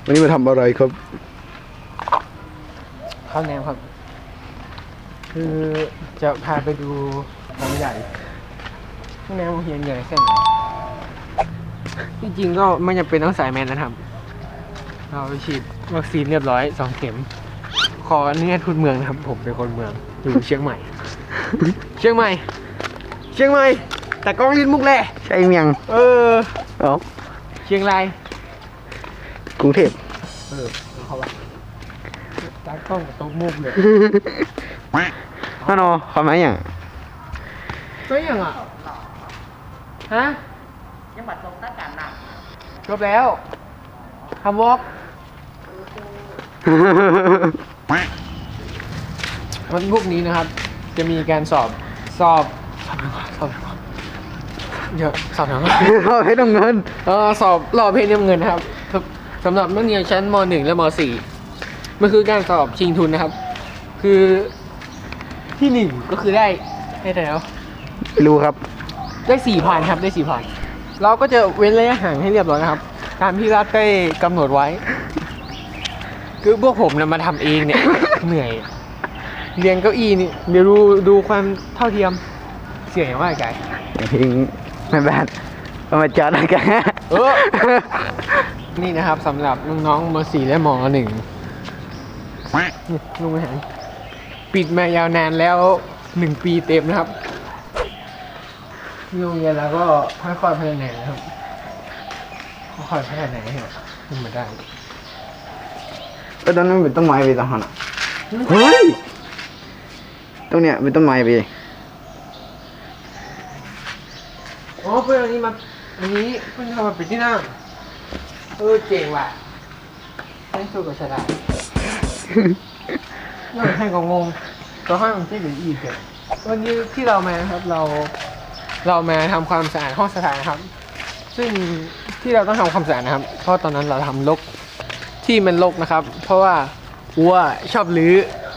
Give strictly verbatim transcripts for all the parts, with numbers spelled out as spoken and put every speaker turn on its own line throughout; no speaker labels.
วันนี้มาทำอะไรครับ
ข้าวแนมครับคือจะพาไปดูของใหญ่ข้าวแนมเฮียนใหญ่แค่ไหนที่จริงก็ไม่จำเป็นต้องสายแมนนะครับเราฉีดวัคซีนเรียบร้อยสองเข็มขออนุญาตพูดเมืองนะครับผมเป็นคนเมืองอยู่เชียงใหม่ เชียงใหม่เชียงใหม่แต่กล้องลิ้นมุกแหละ
ใช่เมียง
เออ
เอ้า
เชียงราย
กรุงเทพ
เออเขาว่าตากล้องกับโต๊ะมุกเลย
ฮัลโหลขอไหมอย่าง
ไม่ยังอ่ะฮะยังบัดตรงหน้าการหนักจบแล้วทำวอล์กวันพวกนี้นะครับจะมีการสอบสอบสอบสอบเยอะสอบหนัง
สอบให้ต้องเงิน
เออสอบรอเพลงเงินนะครับสำหรับนักเรียนชั้นม.หนึ่ง และม.สี่ มันคือการสอบชิงทุนนะครับ คือที่หนึ่งก็คือได้ได้แล้ว
ไม่รู้ครับ
ได้สี่พันครับได้สี่พันเราก็จะเว้นระยะห่างให้เรียบร้อยนะครับตามที่รัฐได้กำหนดไว้คือพวกผมนะมาทำเองเนี่ยเหนื่อยเรียงเก้าอี้นี่เดี๋ยวดูดูความเท่าเทียมเสียงอย่างว่าไกล
ทิ้งไม่แบดเอามาจัดอะไรกัน
เออนี่นะครับสำหรับน้องๆม.สี่ และม.หนึ่งลุงไม่เห็นปิดมายาวนานแล้วหนึ่งปีเต็มนะครับโรงเรียนเราก็ค่อยๆพัฒนานะครับค่อยๆพัฒนาให้ขึ้นมาได้
ก็ตอนนั้นเป็นต้นไม้ไปตอนนั้นเฮ้ยตรงเนี้ยเป็นต้นไม้ไป
อ๋อเพื่อนอันนี้มาอันนี้เพื่อนทำมาเป็นที่นั่งเออเจ๋งว่ะให้สู้กับชาดาน่าให้ก็งงก็ให้มันที่เหลืออีกเลยวันนี้ที่เรามาครับเราเรามาทำความสะอาดห้องสถานครับซึ่งที่เราต้องทำความสะอาดนะครับเพราะตอนนั้นเราทำรกที่มันรกนะครับเพราะว่าวัวชอบลื้อ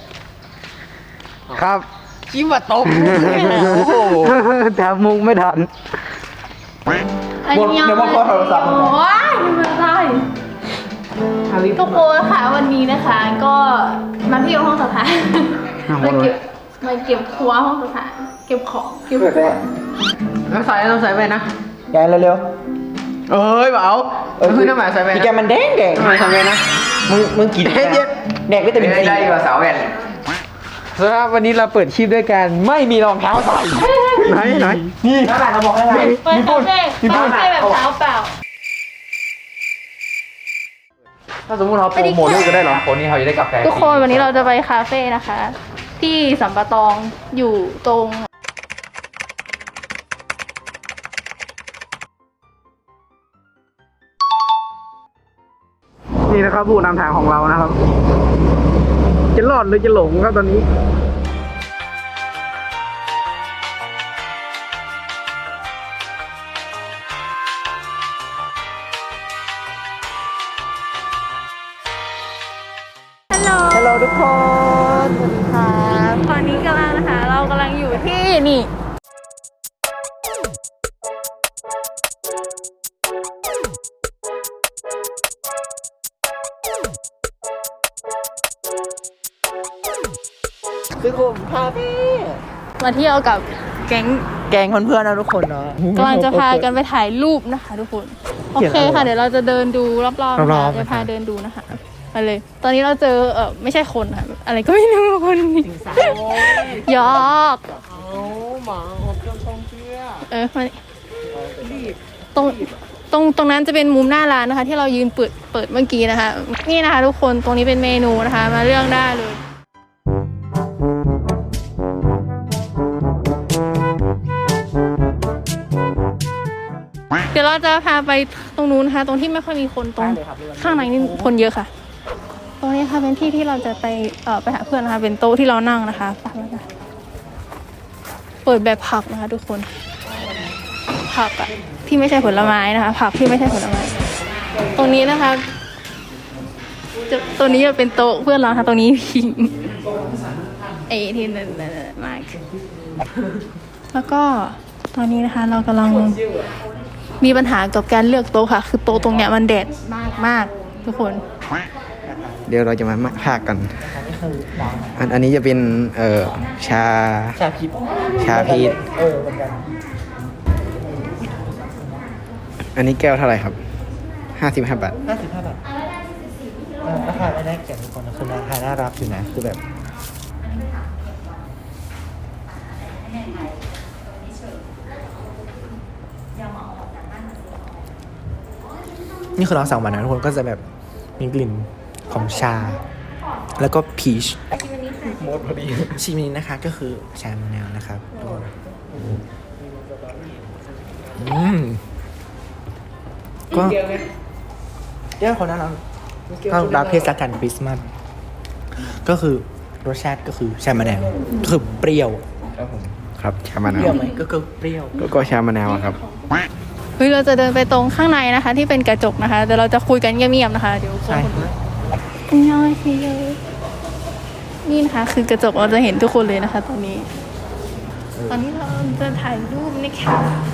ครับ
จิ้มว่าตกโอ้โห
แต่มุกไม่ทัน
หมดเดี๋ยวมาขอโทรศัพท์โอ้ยไม่ได้ทุกคนค่ะวันนี้นะคะก็มาที่ห้องสถานมาเก็บมาเก็บครัวห้องสถานเก็บของเก็บของ
เราใส่เราใส่ไปนะ
แกเร็ว
ๆเอ้ยเบาเออคือน้ำหมายใส่ไปนะ
แกมันแดงแดง
ทำไมทำไงนะ
มึงมึงกี่แดงแดงวิตามินซี
ได้กว่าสาวแว่นสำหรับวันนี้เราเปิดคลิปด้วยกันไม่มีรองเท้าใส่
ไหนไหน
นี่น้ำหมายเราบอกให้ไง
มีปุ่นมีปุ่นแบบเท้าเปล่า
ถ้าสมมติเราโปรโมทลูกก็ได้หรอคนนี้เขาจะได้กาแฟ
ทุกคนวันนี้เราจะไปคาเฟ่นะคะ ที่สัมปะตองอยู่ตรง
นี่นะครับผู้นำทางของเรานะครับจะรอดหรือจะหลงครับตอนนี้ฮัลโหลทุกคนสวัสดีค่ะ
ตอนนี้กำลังนะคะเรากำลังอยู่ที่นี่
คือผมคาเฟ่
มาเที่ยวกับแก๊ง
แกงเพื่อนๆนะทุกคนเนาะ
กำลังจะพากันไปถ่ายรูปนะคะทุกคนโอเคค่ะเดี๋ยวเราจะเดินดูรอบๆนะคะจะพาเดินดูนะคะไปเลยตอนนี้เราเจอเออไม่ใช่คนค่ะอะไรก็ไม่รู้คนนี้ยอก
หมาอบจนทองเชื่อ
เออตรงตรงตรงนั้นจะเป็นมุมหน้าร้านนะคะที่เรายืนเปิดเปิดเมื่อกี้นะคะนี่นะคะทุกคนตรงนี้เป็นเมนูนะคะมาเลือกได้เลยเดี๋ยวเราจะพาไปตรงนู้นนะคะตรงที่ไม่ค่อยมีคนตรงข้างในนี่คนเยอะค่ะตรงนี้ค่ะเป็นที่ที่เราจะไปเอ่อไปหาเพื่อนนะคะเป็นโต๊ะที่เรานั่งนะคะปักแล้วกันเปิดแบบผักนะคะทุกคนผักอะที่ไม่ใช่ผลไม้นะคะผักที่ไม่ใช่ผลไม้ตรงนี้นะคะจะตัวนี้จะเป็นโต๊ะเพื่อนเราค่ะตรงนี้พิงไอ้ที่นั่นมากแล้วก็ตอนนี้นะคะเรากำลังมีปัญหากับการเลือกโต๊ะค่ะคือโต๊ะตรงเนี้ยมันแดดมากมากทุกคน
เดี๋ยวเราจะมาพากกัน
อันนี้คือดาว
อันอันนี้จะเป็นเอ่อชา
ชาพิษ
ชาพีช
เออเหมือนกัน
อันนี้แก้วเท่าไหร่ครับห้าสิบห้าบาท
ห้าสิบห้าบาทเออราคาไม่ได้เก็บทุกคนนะคือราคาน่ารักอยู่นะคือแบบนี่คือเราสั่งมานะทุกคนก็จะแบบมีกลิ่นของชา แล้วก็พีชโมดพอดีชิมินนะคะก็คือชามะนาวนะครับอืมก็เดี๋ยวคนนั้นเราเรารับเทศกาลคริสต์มาสก็คือรสชาติก็คือชามะนาวก็คือเปรี้ยว
ครับชามะ
เป
นา
รี้ยว
ว
ไหมก็คือเปรี้ยว
ก็ก็ชามะนาวอะครับ
เฮ้ยเราจะเดินไปตรงข้างในนะคะ ที่เป็นกระจกนะคะแต่เราจะคุยกันเงียบๆนะคะเดี๋ยวคน
ใช่
อันยองสิเยนี่นะคะคือกระจกเราจะเห็นทุกคนเลยนะคะ ตอนนี้ ตอนนี้เราจะถ่ายรูปนะคะ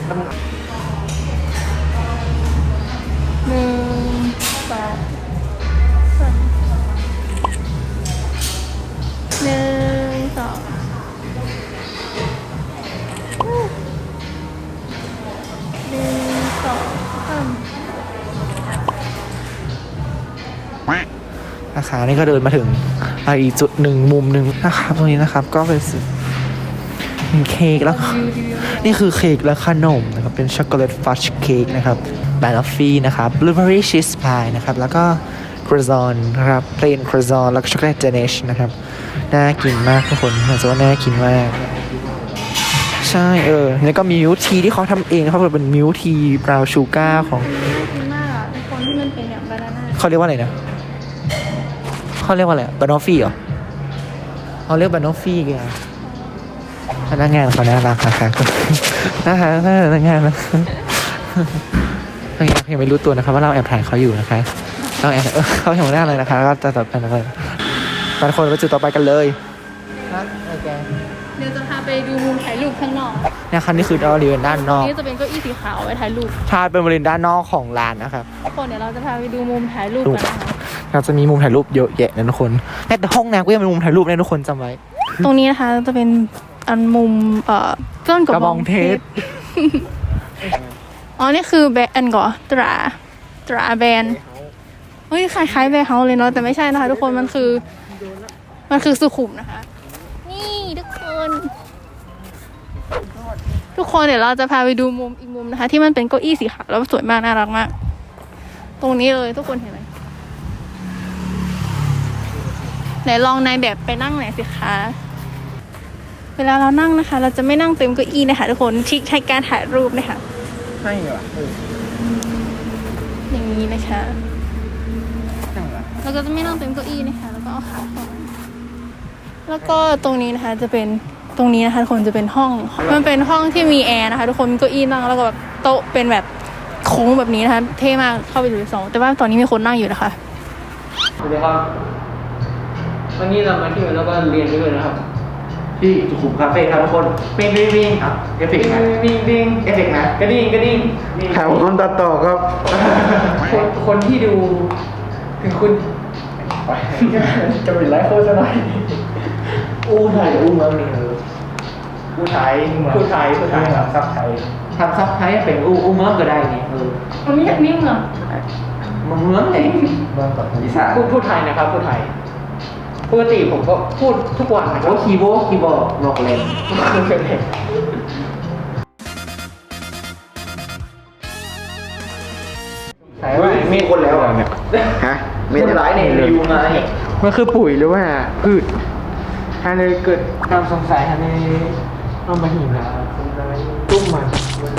หนึ่งสองสามหนึ่งสองหนึ่งสองสาม
นะคะนี่ก็เดินมาถึงอีกจุดหนึ่งมุมหนึ่งนะครับตรงนี้นะครับก็เป็นเป็นเค้กแล้วก็นี่คือเค้กและขนมนะครับเป็นช็อกโกแลตฟัชเค้กนะครับบานอฟฟี่นะครับบลูเบอร์รี่ชีสพายนะครับแล้วก็ครัวซอนนะครับเพลนครัวซอนแล้วก็ช็อกโกแลตเจเนชนะครับน่ากินมากทุกคนเหมือนจะว่าน่ากินมากใช่เออแล้วก็มีมิลทีที่เขาทำเองนะครับเป็นมิลทีบราวน์ชูการ์ของ
น่ากินมากอ่ะทุกคนที่มันเป็นอย่างบานาน่า
เขาเรียกว่าอะไรนะเขาเรียกว่าอะไรบานอฟฟี่เหรอเขาเรียกบานอฟฟี่กันพนักงานเขาน่ารักนะคะนะคะพนักงานนะพนักงานยังไม่รู้ตัวนะคะว่าเราแอบถ่ายเขาอยู่นะคะเราแอบเขาเห็นหน้าเลยนะคะก็จะต่อไปเลยบางคนไปจุดต่อไปกันเลยครับโอเค
เดี๋ยวจะพาไปดูมุมถ่ายรูปข้างนอก
เนี่ยคันนี้คือเราเรียนด้านนอก
นี่จะเป็นเก้าอี้สีขาวไว้ถ่ายรูป
ถ้าเป็นบริเวณด้านนอกของร้านนะครับ
ทุกคนเดี๋ยวเราจะพาไปดูมุมถ่ายรูปกันนะคะ
เราจะมีมุมถ่ายรูปเยอะแยะนะทุกคนแต่ห้องน้ำก็ยังเป็นมุมถ่ายรูปนะทุกคนจำไว้
ตรงนี้นะคะจะเป็นอันมุมเอ่อต้นกระบองเพชร อ๋อนี่คือแบรนด์ก่อนตราตราแบรนด์เฮ้ยคล้ายๆแบรนด์เฮาเลยเนาะแต่ไม่ใช่นะคะทุกคนมันคือมันคือสุขุมนะคะ นี่ทุกคน ทุกคนเดี๋ยวเราจะพาไปดูมุมอีกมุมนะคะ ที่มันเป็นเก้าอี้สีขาวแล้วสวยมากน่ารักมาก ตรงนี้เลยทุกคนเห็นไหมไหนลองนายแบบไปนั่งไหนอยสิคะเวลาเรานั่งนะคะ เราจะไม่นั่งเต็มเก้าอี้นะคะทุกคนที่ใช้การถ่ายรูปนะคะ
ให้เหรอ
อย่างนี้นะคะเราก็จะไม่นั่งเต็มเก้าอี้นะคะแล้วก็เอาขาเข้ามาแล้วก็ตรงนี้นะคะจะเป็นตรงนี้นะคะทุกคนจะเป็นห้องมันเป็นห้องที่มีแอร์นะคะทุกคนมีเก้าอี้นั่งแล้วก็แบบโต๊ะเป็นแบบโค้งแบบนี้นะคะเท่มากเข้าไปดูในสองแต่ว่าตอนนี้มีคนนั่งอยู่นะคะ
สวัสดีครับวันนี้เรามาที่แล้วก็เรียนด้วยนะครับที่สุขุมคาเฟ่ครับทุกคนปิ้งปิ้งปิ้งครับเอฟเฟกต์นะปิ้งปิ้งเอฟเฟกต์นะกระดิ่งกระดิ่ง
ถามคนตัดต่อครับ
คนคนที่ดูถึงคุณจะเป็นไลฟ์โฆษณาอู้ไทยอู้เมืองนี่เอออู้ไทยพูดไทยพูดไทยทำซับไทยทำซับไทยเป็นอู้อู้เมืองก็ได้นี่เออ
มันไม่อยากนิ่งเหรอ
เมืองเมืองเลยเมืองกับอีสานพูดพูดไทยนะครับพูดไทยปกติผมก็พูดทุกวันนะครับโอ้คีย์บอร์ดคีย์บอร์ดบอกเลยใช่ว่ามีคนแล้วเนี่ย
ฮะไม่ได้ร้ายเนี่ยเลย
อยู่ไงมันคือปุ๋ยหรือว่าพืชฮันเลยเกิดความสงสัยฮันเลยเอามาหิมนะตุ้มมัน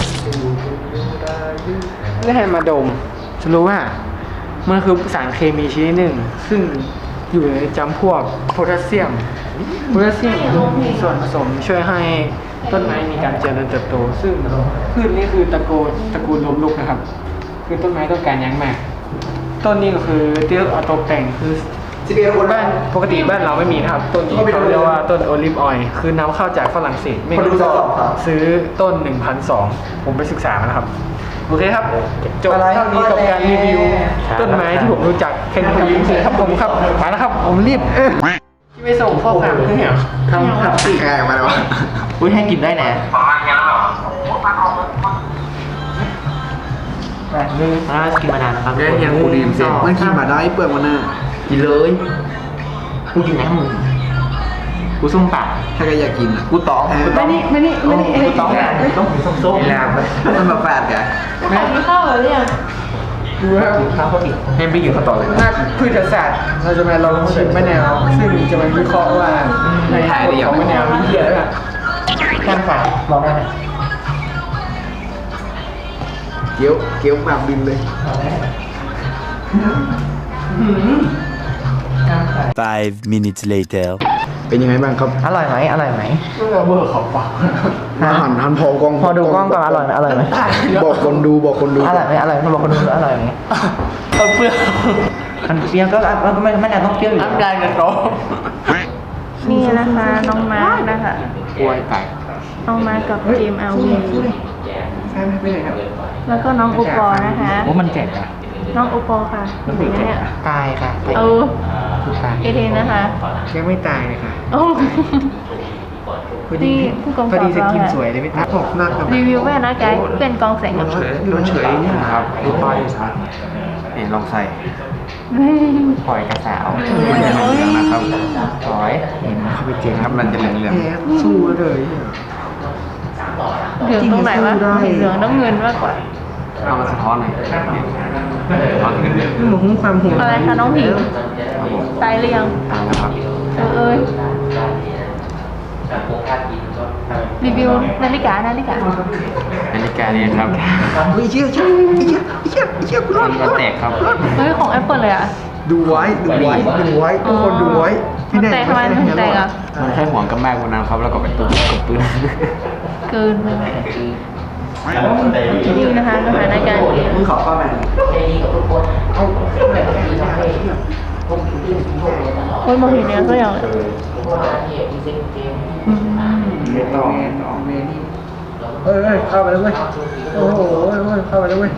แล้วให้มาดมจะรู้ว่ามันคือสารเคมีชนิดหนึ่งซึ่งอยู่ในจำพวกโพแทสเซียมโพแทสเซียมมีส่วนผสมช่วยให้ต้นไม้มีการเจริญเติบโตซึ่งพืชนี่คือตระกูลตระกูลล้มลุกนะครับคือต้นไม้ต้องการอยังมากต้นนี้ก็คือที่เอาตกแต่งคือบ้านปกติบ้านเราไม่มีนะครับต้นนี้เขาเรียกว่าต้นโอลิฟออยล์คือนำเข้าจากฝรั่งเศสไม่รู้ซื้อต้น หนึ่งพันสองร้อย ผมไปศึกษามาแล้วครับโอเคครับจบเท่านี้กับการรีวิวต้นไม้ที่ผมรู้จักแค่นี้ครับผมครับมาแล้วครับผมรีบที่ไม่ส่งข้อความให้เหรอทำครับ
แกมาเลยวะ
อุ้ยให้กินได้นะแบบนึงน่ากินมานานนะครับ
แกยังกูดีมเสียมันกินมาได้เปลือกมันน่ะ
กินเลยกูกินนะมึงกูส้มปาก
ถ้าแกอยากกินอ่ะ
กูตองกูตอง
ไม่นี่ไม่นี่ไม่นี่
กูตองนะกูต้องกินส้มๆ
แรงไปมันมาแฝดแก
ถ่ายข้าวเหรอเนี่ย
ดูครับ
ข้าวเขาอีกให้ไปกินข้าวต่อเลย
นักพืชศาสตร์เราจะมาลองชิมมะนาวซึ่งจะมาวิเคราะห์ว่าในผลของมะนาวมีเยอะแล้ว
แค่ฝาลองได้ไหม
เกี๊ยวเกี๊ยวแบบบินเลย
Five minutes later.
เป็นยังไงบ้างครับ
อร่อยไหมอร่อยไหม
เมื่อเบอร์เขาปาก
หันหันพอกล้อง
พอดูกล้องก่อนอร่อยไหมอร่อยไหม
บอกคนดูบอกคนดู
อร่อยไหมอร่อยไหมบอกคนดูอร่อยไหม
เอาเปลือก
มันเปรี้ยวก็ไม่ไม่น่าต้องเปรี้ยวอยู่
น้ำลายกันโต
นี่นะคะน้องมาร์คนะคะ
กล้วยไก่
น้องมาร์คกับทีม แอล วี
ใช่ไหมไม่ใช่ครับ
แล้วก็น้องโอปอล์นะคะ
โอ้มันแก่อะ
น้องโอปอล์ค่ะเห็นไหมเนี่ย
ตายค่ะ
เออ
ตาย
เอเทนนะคะ
ยังไม่ตายเลยค่ะ
โอ้
พอดี
นี่ผู้กำกับ
พอดีสกิน
เราค่ะ
สวยเลยไม่ตายออกหน้าครับ
รีวิวแม่นะไกด์เป็นกองแสงกับ
เฉยมันเฉยนี่นะครับดูป้ายชัดนี่ลองใส่
หอยกระสาว
นะครับ
หอย
เข้าไปเจงครับมันจะเหลือง
แหมสู้เลย
เหลืองตรงไหนวะเห็นเหลืองน้ำเงินมากกว่า
ๆเอามาสะท้อนหน่อยสะท้อนขึ้นเลย
นี่มันความห่วง
อะไรคะน้องผิว
ครับผม
ตายหรือยัง
ตายแล้วครับ
เออเอ้ยรีวิวนาฬิกานาฬิกา
นาฬิกาเนี่ยครับเฮ้ยเชี่ยเชี่ยเชี่ยเชี่ยเชี่ยกูรอดมันแตกครับ
เฮ้ยของ Apple เลยอ่ะ
ดูไว้ดูไว้ดูไว้ทุกคนดูไว้
มันแตกทำไมมันถึงแตกอ่ะ
มันแค่ห่วงกับแม่คนนั้นครับแล้วก็ไปตุ้มกับปืน
เกินไปไหมนี่นะคะสถานการณ์นี้
มึงขอข้าแม่
โอ้ยมองเห็นเนื้อก็อย่างเลย
ต่อ
เอ้ยเข้าไปแล้วเว้ยโอ้โหเข้าไปแล้วเว้ย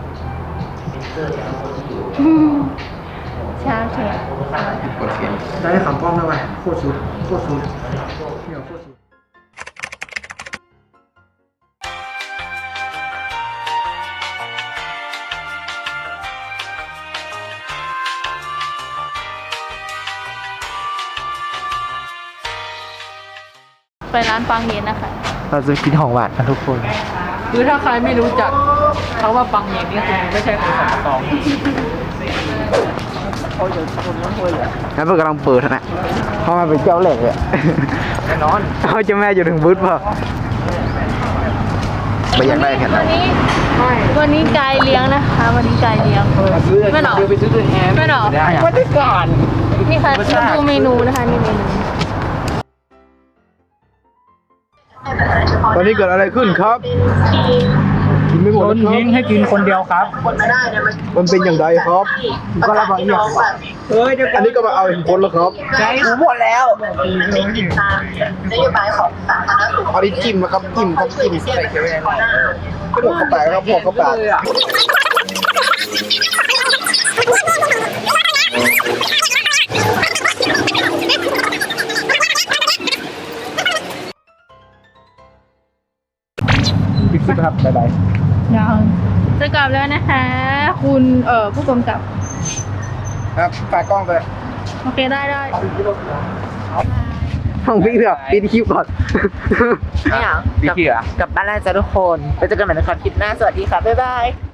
อืมชาเขียว
กดเขียน
ได้คำป้อมแล้วว่ะโคตรสุดโคตรสุดเที่ยวโคตรสุด
ไปร้านปังเย็นนะคะ
เราจะกินของหวานกันทุกคน
คือถ้าใครไม่รู้จักเขาว่าปังเย็นนี่คือไม่ใช่คนสับตอง
แล้วเพื่อนกำลังเปิดนะเข้ามาเป็นเจ้าเหล็กเลย
แน่นอน
เขาจะแม่อยู่ถึงบูธเปล่าไม่อยากได้แค่ไหน
วันนี้วันนี้กายเลี้ยงนะคะ วันนี้กายเลี้ยงไม่หรอ
ไปซื้อตัวแทน
ไม่หรอ
ไม่ได้ก่อน
นี่ค่ะมาดูเมนูนะคะนี่เมนู
ตอนนี้เกิดอะไรขึ้นครับ กินไม่หมด
โดน
ครับ
ทิ้งให้กินคนเดียวครับ
มันเป็นอย่างไรครับก็รับมาอีกเฮ้ยอันนี้ก็มาเอาเห็นคนแล้วครับ
ใจกูหมดแล้ว
นโยบายของสาธารณสุข
เอาดิจิ้มนะครับจิ้มครับจิ้มใส่เกลือพวกเข้าไปครับพวกเข้าไป
ปิดคลิปครับบ๊ายบาย
ยังจะกลับแล้วนะคะ คุณเอ่อผู้กำกับ
ครับฝากกล้องไป
โอเคได้ได้
ห้องพี่เถอะปิดคลิปก่อน
ไม่เอากลับกลับบ้านแล้วจ้ะทุกคน ไปเจอกันใหม่ในคลิปหน้า สวัสดีค่ะ บ๊ายบาย